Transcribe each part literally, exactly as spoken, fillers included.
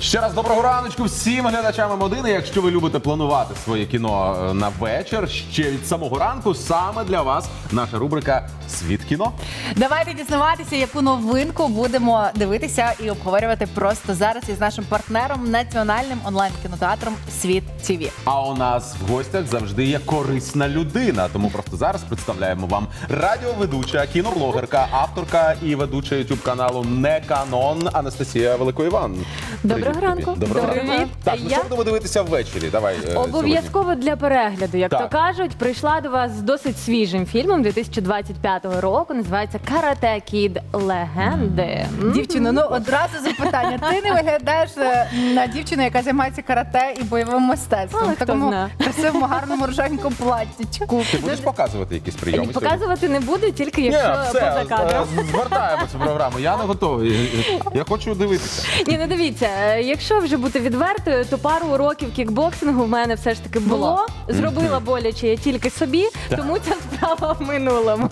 Ще раз доброго раночку всім глядачам М один. Якщо ви любите планувати своє кіно на вечір, ще від самого ранку саме для вас наша рубрика «Світ кіно». Давайте дізнаватися, яку новинку будемо дивитися і обговорювати просто зараз із нашим партнером, національним онлайн-кінотеатром «Світ ТВ». А у нас в гостях завжди є корисна людина, тому просто зараз представляємо вам радіоведуча, кіноблогерка, авторка і ведуча ютуб-каналу «Не Канон» Анастасія Великоїван. Доброго ранку. Доброго ранку. Привіт. Так, ну Я- що будемо дивитися ввечері? Давай е, Обов'язково для перегляду, як Так. то кажуть, прийшла до вас з досить свіжим фільмом дві тисячі двадцять п'ятого року. Називається «Карате Кід. Легенди». М? Дівчино, ну одразу запитання. Ти не виглядаєш е, на дівчину, яка займається карате і бойовим мистецтвом. Але В хто такому зна. красивому, гарному рожевенькому платтячку. Ти будеш показувати якісь прийоми сьогодні? Показувати не буду, тільки Ні, якщо все, поза кадром. е, звертаємо цю програму. Я не готовий. Я хочу дивитися. Ні, ну дивіться, е, якщо вже бути відвертою, то пару уроків кікбоксингу в мене все ж таки було. Було. Зробила боляче я тільки собі, тому ця справа в минулому.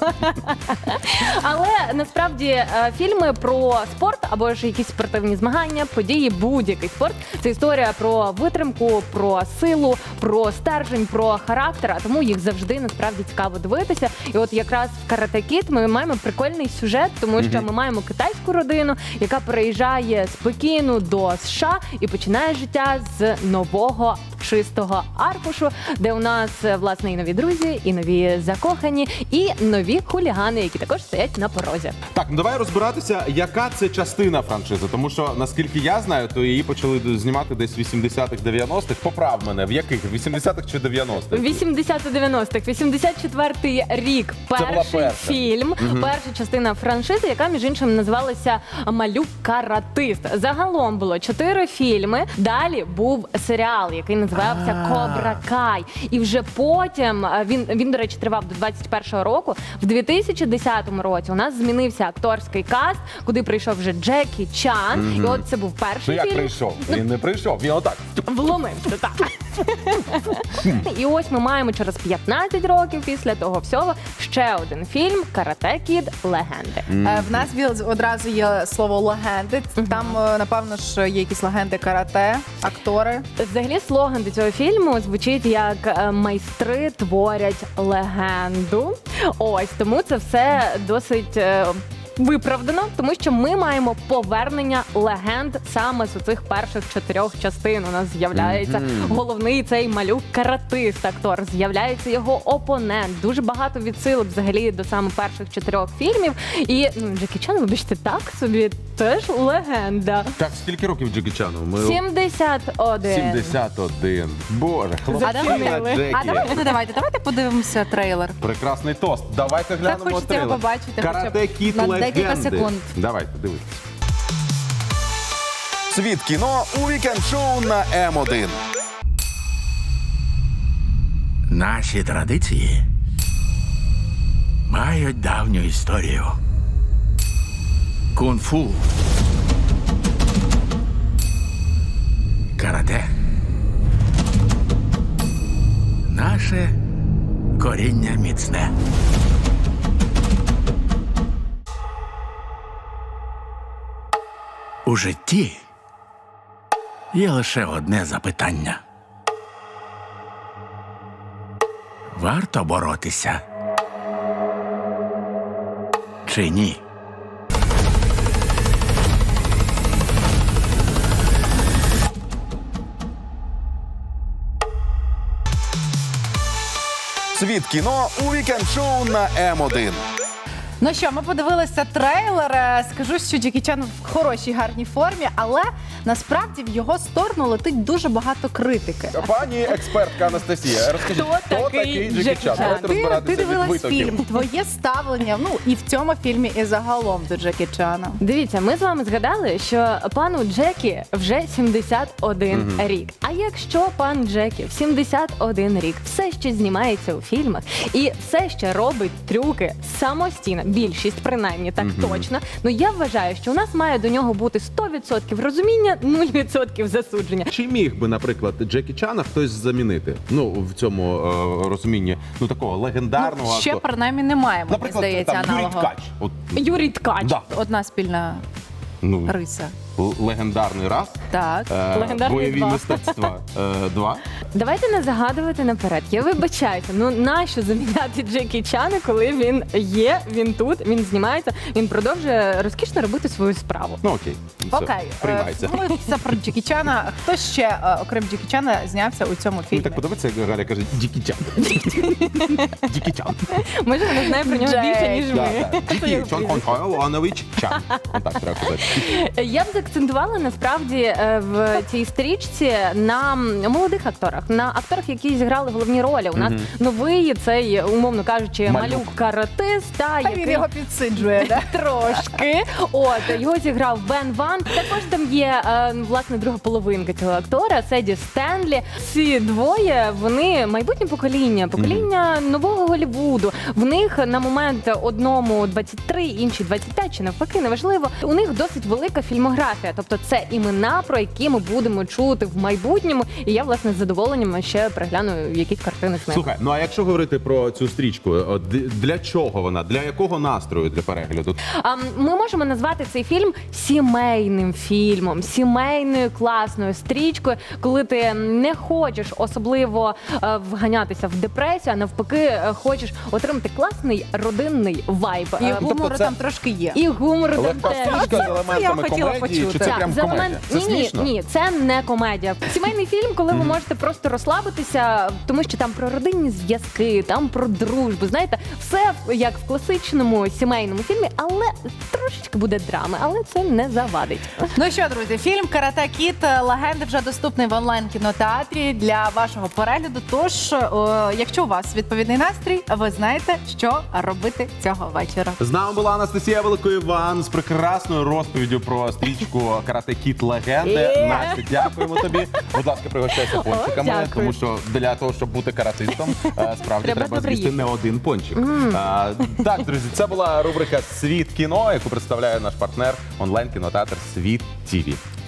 Але насправді е, фільми про спорт або ж якісь спортивні змагання, події, будь-який спорт – це історія про витримку, про силу, про стержень, про характер, а тому їх завжди насправді цікаво дивитися. І от якраз в «Карате Кід» ми маємо прикольний сюжет, тому що ми маємо китайську родину, яка переїжджає з Пекіну до США і починає життя з нового чистого аркушу, де у нас е, власне і нові друзі, і нові закохані, і нові хулігани, які також стоять на порозі. Так, ну давай розбиратися, яка це частина франшизи. Тому що, наскільки я знаю, то її почали знімати десь в вісімдесятих, дев'яностих. Поправ мене, в яких? В вісімдесятих чи дев'яностих? вісімдесят-дев'яностих, вісімдесят четвертий рік, була перший перша. фільм, перша частина франшизи, яка, між іншим, називалася «Малюк-каратист». Загалом було чотири фільми, далі був серіал, який називався «Кобра Кай». І вже потім, е, він, він, до речі, тривав до двадцять першого року, в дві тисячі десятому році у нас змінився акторський каст, куди прийшов вже Джекі Чан, і от це був Ну перший як фільм. прийшов? Він не прийшов, він отак. Вломився, так. І ось ми маємо через п'ятнадцять років після того всього ще один фільм «Карате Кід. Легенди». Е, В нас віл- одразу є слово легенди. Там, е, напевно ж, є якісь легенди карате, актори. Взагалі слоган до цього фільму звучить як е, «Майстри творять легенду». Ось, тому це все досить е, виправдано, тому що ми маємо повернення легенд саме з цих перших чотирьох частин. У нас з'являється головний цей малюк-каратист, актор, з'являється його опонент. Дуже багато відсилок взагалі до саме перших чотирьох фільмів. І ну, Джекі Чан, вибачте, так собі теж легенда. Так, скільки років Джекі Чану? Ми... сімдесят один. сімдесят один. Боже, хлопчина Запомнили. Джекі. А давайте, ну, давайте, давайте подивимося трейлер. Прекрасний тост. Давайте глянемо хочеться трейлер. його побачити хоча б «Карате Кід. на Легенди». декілька секунд. Давайте, дивитися. Світ кіно у вікенд-шоу на М один. Наші традиції мають давню історію. Кунг-фу, карате. Наше коріння міцне. У житті є лише одне запитання. Варто боротися? Чи ні? Світ кіно у вікенд-шоу на М один. Ну що, ми подивилися трейлер. Е, Скажу, що Джекі Чан в хорошій, гарній формі, але насправді в його сторону летить дуже багато критики. Пані експертка Анастасія, розкажіть, Хто такий Джекі Джекі Чан? Чан? Давайте Ти, розбиратися ти від дивилась витоків. фільм, твоє ставлення, ну і в цьому фільмі, і загалом до Джекі Чана. Дивіться, ми з вами згадали, що пану Джекі вже сімдесят один рік. А якщо пан Джекі в сімдесят один рік все ще знімається у фільмах і все ще робить трюки самостійно, більшість принаймні так точно, ну я вважаю, що у нас має до нього бути сто відсотків розуміння, нуль відсотків засудження. Чи міг би, наприклад, Джекі Чана хтось замінити? Ну, в цьому е, розумінні, ну, такого легендарного. Ну, ще актора. принаймні не маємо, мені Наприклад, здається, там, Юрій аналогу. Ткач. От, Юрій Ткач. да. Одна спільна Ну, риса? л- легендарний раз. Так. Е, Легендарний бойові два. мистецтва е, два. Давайте не загадувати наперед. Я вибачаюся. Ну нащо заміняти Джекі Чана, коли він є, він тут, він знімається, він продовжує розкішно робити свою справу. Ну окей. Все, Окей, приймається. е, мовимося про Джекі Чана. Хто ще, е, окрім Джекі Чана, знявся у цьому Мені фільмі? так подобається, як Галя каже Дікічан. Дікічан. Може, вона знає про нього Джек. більше, ніж Да, ми. так. Дікій Чон Іванович Чан. Так треба казати. Я б заакцентувала насправді е, в цій стрічці на молодих акторах, на акторах, які зіграли головні ролі. У нас новий цей, умовно кажучи, Малюк. малюк-каратист, та, Та він який його підсиджує, да? трошки. От його зіграв Бен Ван. Також там є е, власне друга половинка цього актора, Седі Стенлі. Ці двоє вони майбутнє покоління, покоління нового Голлівуду. В них на момент одному двадцять три, іншій двадцять п'ять, чи навпаки, неважливо. У них досить велика фільмографія. Тобто це імена, про які ми будемо чути в майбутньому. І я власне з задоволенням ще перегляну якісь картини з них. Слухай, ну а якщо говорити про цю стрічку, от д- для чого вона? Для якого настрою для перегляду? А, Ми можемо назвати цей фільм сімейним фільмом, сімейною класною стрічкою, коли ти не хочеш особливо е, вганятися в депресію, а навпаки е, хочеш отримати класний родинний вайб. І Е, гумору тобто це- там трошки є. і гумор там Легка теж. стрічка з я елементами хотіла комедії, чи почути. це Так, прям за комедія? момент- Це ні, ні, смішно? ні, це не комедія. Сімейний фільм, коли ви можете просто розслабитися, тому що там про родинні зв'язки, там про дружбу. Знаєте, все як в класичному сімейному фільмі, але трошечки буде драми, але це не завадить. Ну що, друзі, фільм «Карате Кід. Легенди» вже доступний в онлайн-кінотеатрі для вашого перегляду. Тож, о, якщо у вас відповідний настрій, ви знаєте, що робити цього вечора. З нами була Анастасія Великоїван з прекрасною розповіддю про стрічку «Карате Кід. Легенди». Є. Настя, дякуємо тобі. Будь ласка, пригощайся пончиками, дякую. тому що для того, щоб бути каратистом, е, справді Треба треба добре з'їсти їсти. не один пончик. А, так, друзі, це була рубрика «Світ кіно», яку представляє наш партнер онлайн-кінотеатр «Світ ТІВІ».